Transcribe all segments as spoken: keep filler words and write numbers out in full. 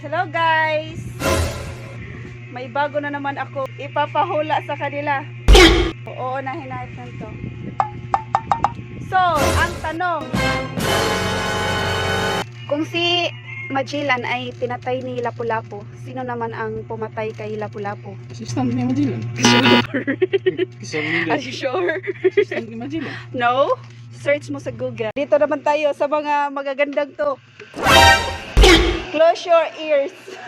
Hello guys! May bago na naman ako ipapahula sa kanila. Oo, nahinahit na to. So, ang tanong, kung si Magellan ay pinatay ni Lapu-Lapu, sino naman ang pumatay kay Lapu-Lapu? Assistant ni Magellan. Are you sure? Assistant ni Magellan. No? Search mo sa Google. Dito naman tayo sa mga magagandang to. Close your ears.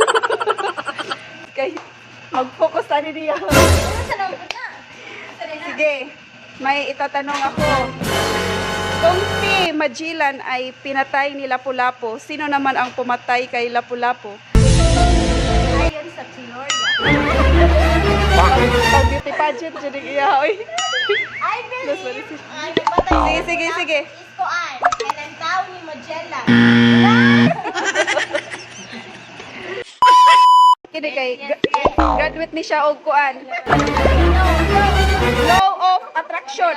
Okay. Mag-focus tayo niya. Sige. May itatanong ako. Kung si Magellan ay pinatay ni Lapu-Lapu, sino naman ang pumatay kay Lapu-Lapu? Ayon sa Tinorda. Pag beauty pageant, dyan yung iyahoy. I believe, ay nagpatay Sige, sige, sige. is Kuan, and ang tao ni Magellan. Kini kay graduate ni siya og kuan. Law of attraction.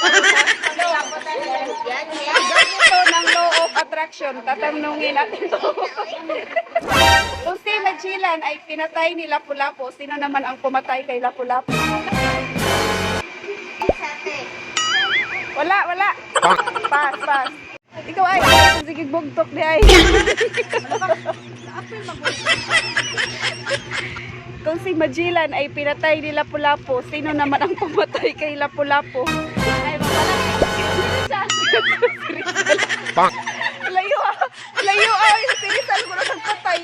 Ito ng law of attraction. Tatanungin natin to. Kung si Magellan ay pinatay ni Lapu-Lapu, sino naman ang pumatay kay Lapu-Lapu? Wala, wala. Pass, pass. Ikaw ay, sige bugtok di ay. Kung si Magellan ay pinatay ni Lapu-Lapu, sino naman ang pumatay kay Lapu-Lapu? Ay, Bang! layo ah! Layo ah! Si Rizal mo na nagpatay.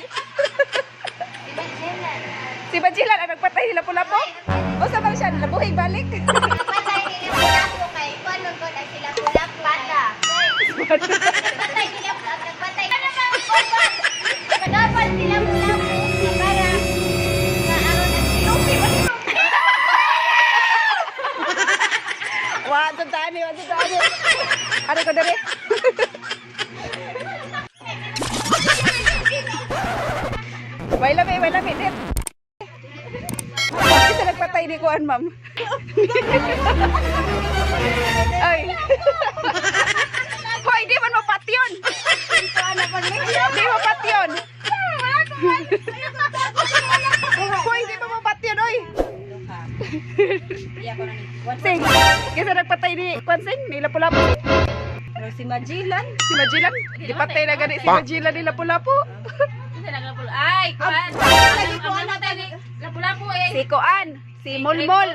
Si Magellan ang nagpatay ni Lapu-Lapu? O sa ba siya? Nabuhay balik? Nagpatay ni Lapu-Lapu kay Kuan Lugod ang sila Lapu-Lapu. Bata. Nagpatay ni Lapu-Lapu. Nagpatay. Ano ba? Nagpatay si Lapu-Lapu. Para maaron ang silupi. Wa, tandaan niyo, tandaan niyo. Ano ko dali? Way lami, way lami, dit. Kasi nagpatay ni Kuan, ma'am. Ay. Hoy, di man mapat yun. Di mapat yun. Hoy, di man mapat yun, oy. Sing, kasi nagpatay ni Kuan Sing, ni Lapu-Lapu. Si Magellan. Si Magellan, di patay na gani si Magellan ni Lapu-Lapu. Ay, Kuan. Ang ang namatay ni Lapu-Lapu eh. Si Kuan, si Mulmol.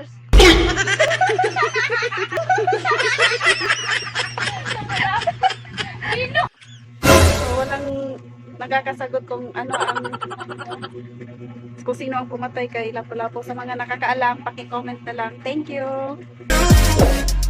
So, walang nakakasagot kung ano ang kung sino ang pumatay kay Lapu-Lapu. Sa mga nakakaalam, paki-comment na lang. Thank you.